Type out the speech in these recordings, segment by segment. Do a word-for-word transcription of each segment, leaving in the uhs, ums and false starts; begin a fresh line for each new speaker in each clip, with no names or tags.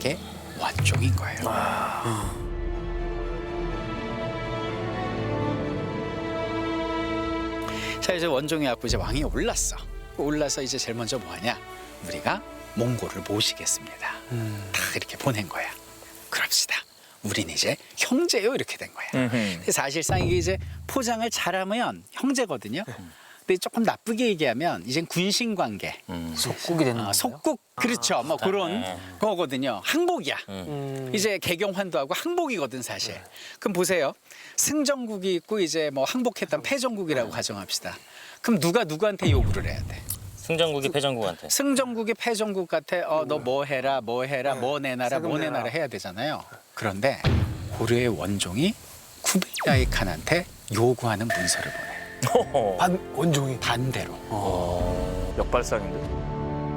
이게 원종인 거예요. 자, 이제 원종이 왔고 이제 왕이 올랐어. 올라서 이제 제일 먼저 뭐하냐? 우리가 몽골을 모시겠습니다.
음.
다 이렇게 보낸 거야. 그럽시다. 우린 이제 형제요 이렇게 된 거야. 근데 사실상 이게 이제 포장을 잘하면 형제거든요. 근데 조금 나쁘게 얘기하면 이젠 군신 관계,
속국이 되는
아,
건가요?
속국 그렇죠. 뭐 그런 거거든요. 항복이야.
음.
이제 개경환도하고 항복이거든 사실. 그럼 보세요. 승정국이 있고 이제 뭐 항복했던 패정국이라고 가정합시다. 그럼 누가 누구한테 요구를 해야 돼?
승정국이 패정국한테.
승정국이 패정국 같아. 어, 너 뭐 해라, 뭐 해라, 뭐 내놔라, 뭐
세금 내라.
내놔라 해야 되잖아요. 그런데 고려의 원종이 쿠빌라이 칸한테 요구하는 문서를 보내.
반 원종이.
반대로.
역발상인데.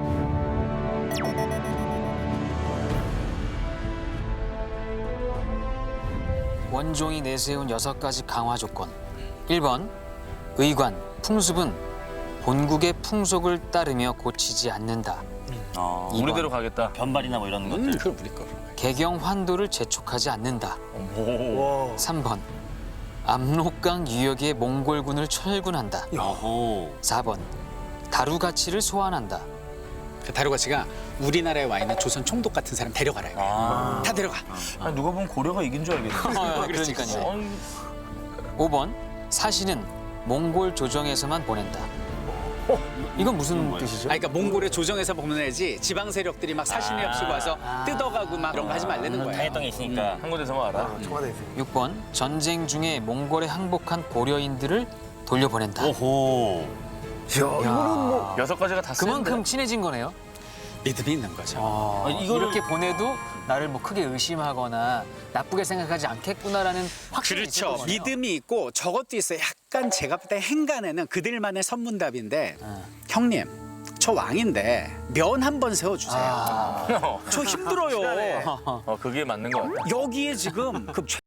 원종이 내세운 여섯 가지 강화 조건. 일 번 의관, 풍습은 본국의 풍속을 따르며 고치지 않는다.
어,
이번.
우리대로 가겠다.
변발이나 뭐 이런
음,
것들.
그걸 우리 거로.
개경 환도를 재촉하지 않는다.
오.
와.
삼 번 압록강 유역의 몽골군을 철군한다.
오.
사 번 다루 가치를 소환한다.
그 다루가치가 우리나라에 와 있는 조선 총독 같은 사람 데려가라. 이거야.
아.
다 데려가.
아니, 누가 보면 고려가 이긴 줄 알겠네.
아,
그렇지,
그러니까요.
아니,
오 번 사신은 몽골 조정에서만 보낸다. 이건 무슨 뜻이죠?
아, 그러니까 몽골의 조정에서 보내지 지방 세력들이 막 사신이
아.
없이고 와서 뜯어가고 막 그런 거 하지 말라는 거야.
당했던 게 있으니까.
한 군데서만 알아.
아, 청와대에서.
육 번 전쟁 중에 몽골에 항복한 고려인들을 돌려보낸다.
오호.
이야, 이거는 뭐.
여섯 가지가 다 쓰는데.
그만큼 친해진 거네요.
믿음이 있는 거죠.
아,
이거를-
이렇게 보내도 나를 뭐 크게 의심하거나 나쁘게 생각하지 않겠구나라는 확신이 있는
그렇죠.
거네요.
믿음이 있고 저것도 있어요. 약간 제가 볼 때 행간에는 그들만의 선문답인데
네.
형님 저 왕인데 면 한 번 세워주세요.
아.
저 힘들어요.
어, 그게 맞는 거 같아.
여기에 지금 그